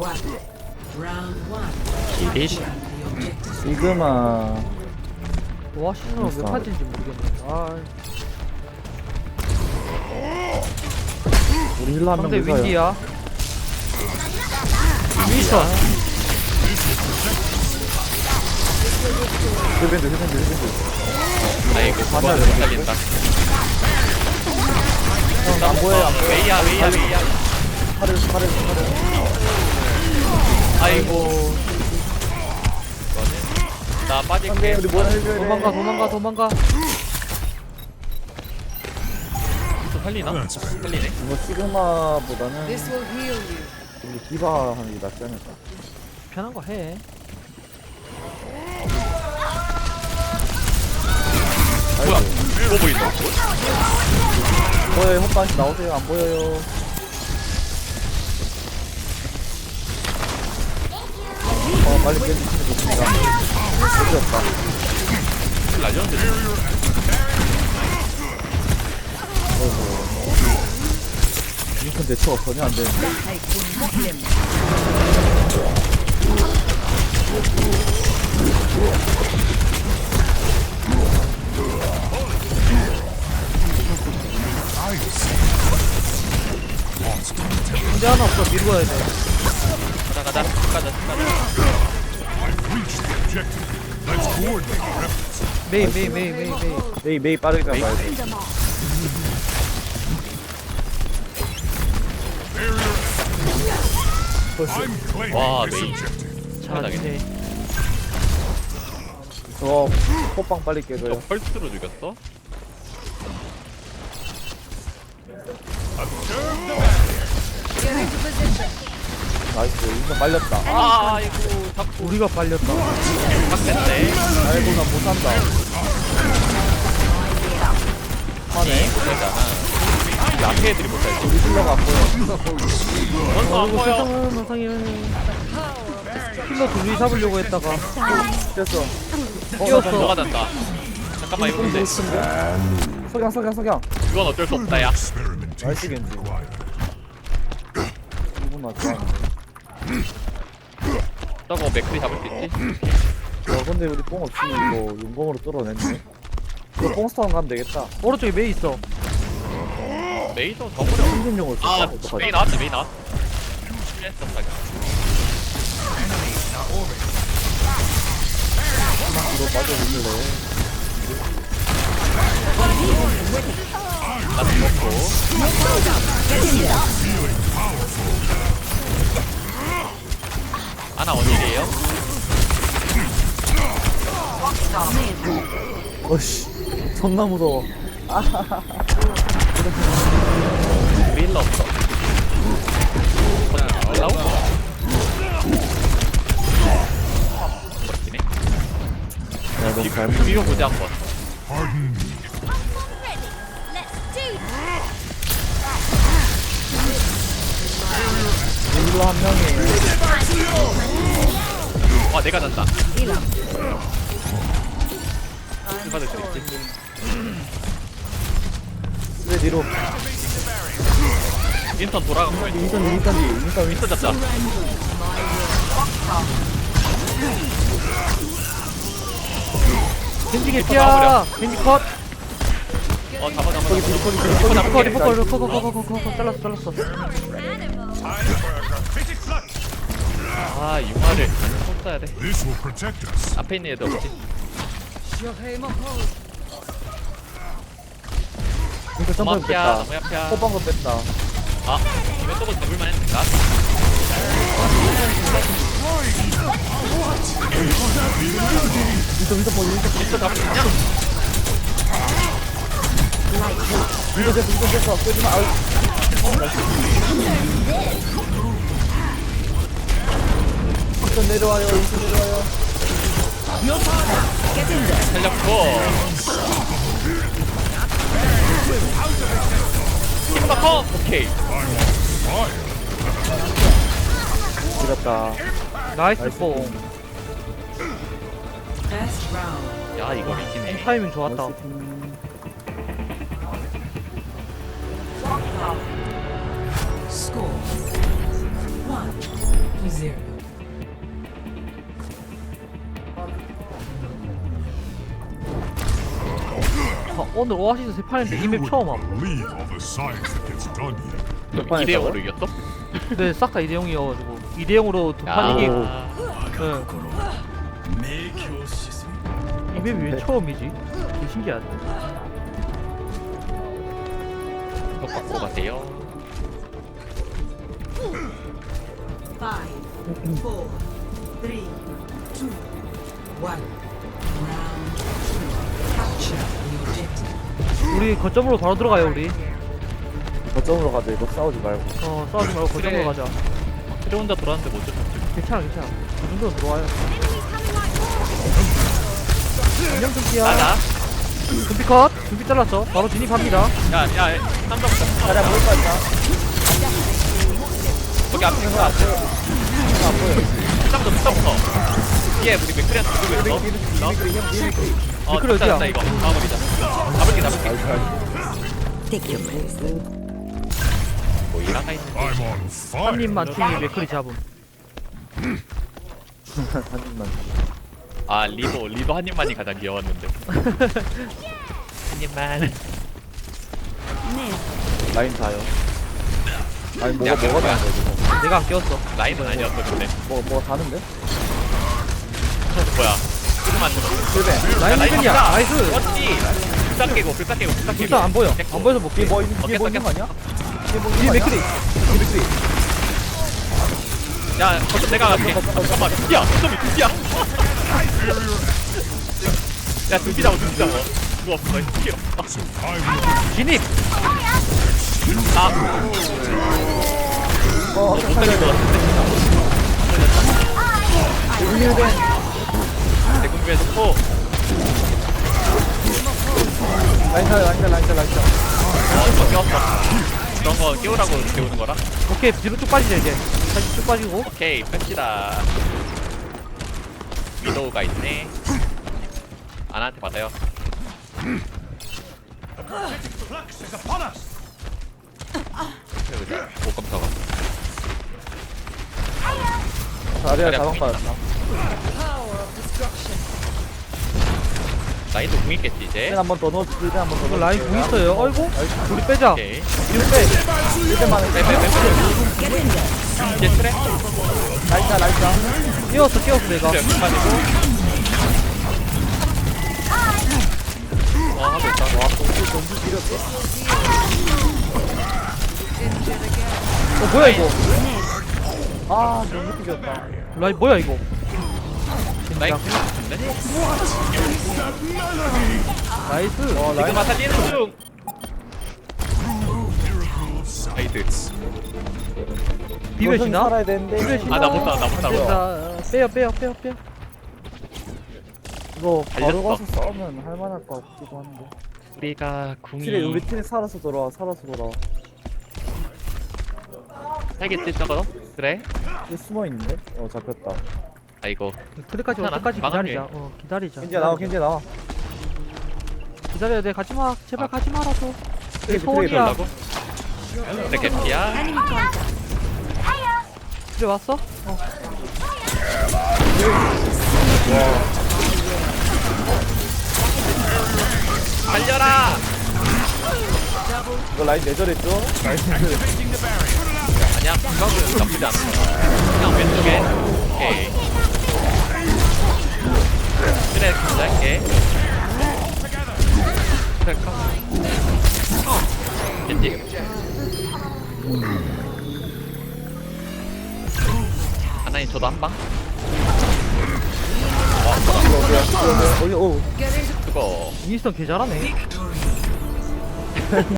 이리시. 시그마. 와 신호가 몇 파지인지 모르겠네. 아 우리 힐러 한명 상대 무서요. 윈디야. 윈스턴. 힐밴드. 아이고 그거 못 살린다. 안 보여요. 웨이야. 팔을. 아이고. 이거는 나 빠질게. 우리 뭐라 해줘야 돼. 도망가. 또 살리나? 살리네. 이거 시그마보다는 우리 디바 하는 게 낫지 않을까? 편한 거 해. 뭐야? 이거 보인다. 보여요. 헛방씨 나오세요. 안 보여요. 빨리 깨주시면 좋습니다. 깨졌다. 날렸는데. 인턴 대처가 전혀 안 되는데. 문제 하나 없어. 밀고 가야 돼. 가자. 메이. 메이 빠르게 가봐야 돼. 와 메이. 잘하네. 저 호빵 빨리 깨줘요. 저 펄스로 죽였어? 나이스. 인턴 빨렸다. 아이고 자꾸 우리가 빨렸다. 빡센데. 아이고 나 못한다. 하네. 그러잖아. 이 앞에 애들이 못살지. 우리 힐러가 안 보여. 원서 안 이거 보여. 세상은 킬러 둘이 잡으려고 했다가 됐어. 뛰었어. 너가 잔다. 잠깐만 이거 근데 석양. 그건 어쩔 수 없다 야. 나이스 겐지. 이분 맞죠? 저거 맥클이 잡을 수 있지? 와 근데 우리 뽕 없으면 이거 용검으로 뚫어냈네. 이거 뽕스타운 가면 되겠다. 오른쪽에 메이 있어. 메이저 더 버려. 생존용을 쓸까? 아 어떡하지? 메이 나왔다 메이 나왔다. 실례했어 자기. 이거 빠져주실래? 나 죽었고. 하나 원일이에요? 어씨 존나 무서워. 우리 힐러 없어. 올라오? 멋지네. 야 너무 잘 비벼보자 한번. 힐러 한 명이 와 내가 잔다. 받을 수 있지. 왜 뒤로 인턴 돌아가고 인턴 잡자. 겐지 개피야. 겐지 컷. 잡아. 리퍼 잘랐어. 아 융화를 꼭 써야 돼. This will protect us. 앞에 있는 애들 없지? 인턴 너무 점프 앞이야 뺐다. 너무 앞이야. 호빵도 뺐다. 아 이거 저거 잡을만 했는가? 인턴 잡을 수 있냐? 됐어. 끄지마. 아유. 인턴 내려와요. 살렸고 킹바커 오케이. 지렸다. 나이스 뽕. 야 이거 이기네. 타이밍 좋았다. 0. 아, 오늘 오아시스 세 판인데 이 맵 처음 함. Believe all the science that gets done here. 몇 판에 2대 0으로 이겼어? 근데 싹 다 2대 0이어가지고 2대 0으로 두 판 이기고. 이 맵이 왜 처음이지? 되게 신기하네. 이거 바꾸고 가세요. 5, 4, 3, 2, 1. Round 2. Capture the objective. 우리 거점으로 바로 들어가요 우리. 거점으로 가자. 이거 싸우지 말고. 싸우지 말고 거점으로 그래. 가자. 그래 혼자 돌아왔는데 못 쫓았지. 괜찮아. 그 정도는 들어와요. 안녕 금피야. 나나. 금피 컷. 금피 잘랐어. 바로 진입합니다. 야야 쌈밥부터. 자리야 먹을 거 있다. 거기 앞에 있어. 쌈부터. 뒤에 우리 맥크리한테 누구 있어? 맥크리 됐다, 어디야? 됐다, 이거 마무리다. 잡을게. Take your place. 뭐 일하가 있는. I'm on fire. 한 입만 충이 맥크리 잡음. 한 입만. 아 리도 한 입만이 가장 귀여웠는데. 한 입만. 라인 자요. 아니 야, 뭐가 뭐야? 다는데 이거. 내가 안 끼웠어. 라인은 아니었어 근데. 뭐가 다는데? 뭐야? 조금만 들어. 실베. 라인 힐이야. 나이스. 그렇지. 불쌍 깨고. 일단 안 보여. 안 보여서 못 뒤에 깨. 뭐 있는 뒤에 뭐 있는 거 아니야? 뒤에 뭐 있는 뒤에 거 아니야? 맥크리. 뒤에 맥크리. 야, 거점 내가 갈게. 잠깐만, 두피야, 거점이 두피야. 야, 두피 잡아. 그거 없어, 두피 없어. 진입. 아, 어, 못 살릴 것 같은데. 내 궁금해서 또. 라인 자. 저 깨웠어. 그런 거 깨우라고 깨우는 거라? 오케이 뒤로 쭉 빠지자 이제. 다시 쭉 빠지고. 오케이, 뺍시다. 위도우가 있네. 아나한테 받아요. 그래, 못 깜짝아. 자리야 자리야, 자방 보인다. 받았다. 라인도 궁 있겠지, 이제? 힐 한번 더 넣어. 힐 한번 더 이거 넣어. 라인 공 있어요. 어이구. 우리 빼자. 오케이. 뒤로 빼. 힐만 해. 이제 트레? 라인 자. 깨웠어 내가. 트레 연습만이고. 하고 있다. 와, 전주 지렸어. 뭐야 이거? 아 너무 뛰겼다. 라인 뭐야 이거? 라인 진짜. 같은데? 나이스. 라인 지금 살리는 중! 아이드. 비벼시나? 살아야 되는데. 비벼시나? 아, 나 못 살아. 빼요. 이거 바로 달렸어. 가서 싸우면 할만할 것 같기도 한데. 우리가 궁이 킬에 우리 팀이 살아서 돌아와. 살겠지 저거? 그래? 이 숨어 있는데? 잡혔다. 아이고 그래까지 올 괜찮아. 때까지 막을게. 기다리자. 기다리자. 겐지야 나와. 기다려야 돼. 가지마. 제발 아. 가지 말아줘. 트레이, 소원이야. 그러려고? 근데 개피야? 그래 왔어? 달려라! 이거 라인 내절했죠? 라인 내절했죠? 아니야 그거는 나쁘지 않아 그냥 왼쪽에 오케이 그래 기다릴게 그래 겐지 하나님 저도 한방 어디 그거 윈스턴 개 잘하네.